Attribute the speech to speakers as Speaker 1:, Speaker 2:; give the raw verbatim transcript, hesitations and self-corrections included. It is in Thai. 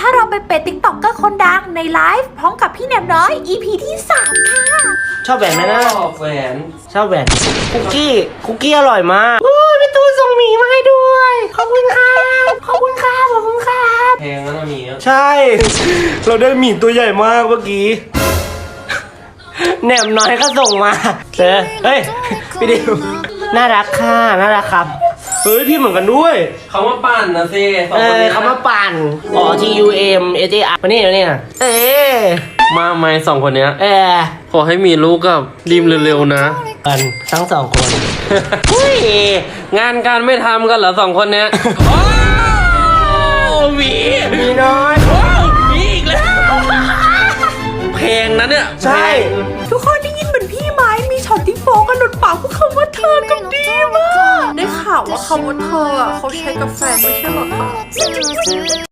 Speaker 1: เราไปเป็นติ๊กต็อกเกอร์คนดังในไลฟ์พร้อมกับพี่แหนมน้อย อี พี ที่สามค่ะ
Speaker 2: ชอบแหวนไหมนะ
Speaker 3: ชอบแหวน
Speaker 2: ชอบแหวนคุกกี้คุกกี้อร่อยมากโอ้ยพี่ตูนส่งหมีมาให้ด้วยขอบคุณครับขอบคุณครับขอบคุณครับ
Speaker 3: แพงแล้วนะหมี
Speaker 2: ใช่ เราได้หมีตัวใหญ่มากเมื่อกี้แหนมน้อยก็ส่งมาเจอเฮ้ยพี่ดิวน่ารักค่ะน่ารักครับเฮ้ยพี่เหมือนกันด้วย
Speaker 3: เขามาปั่นนะสิสอง
Speaker 2: เอ
Speaker 3: คน
Speaker 2: อ
Speaker 3: นี้
Speaker 2: เขามาปั่นอ๋อ T U M S A R มานี่มานี่เออ
Speaker 3: มาไหมสองคนเนี้ย
Speaker 2: เออ
Speaker 3: ขอให้มีลูกกับริมเร็วๆนะ
Speaker 2: กันทั้งสองคน
Speaker 3: เฮ้ยงานการไม่ทำกันเหรอสองคนเนี้ยโอ้หมี
Speaker 2: มีน้อย
Speaker 3: โอ้หมีอีกแล้วเพลงนั้นเนี่ย
Speaker 2: ใช่
Speaker 1: ทุกคนได้ยินเหมือนพี่ไหมมีช็อตที่โฟกันหลุดปากพูดคำว่าเธอกับดีมากได้ข่าวว่าคำว่าเธออ่ะเขาใช้กับแฟนไม่ใช่หรอคะ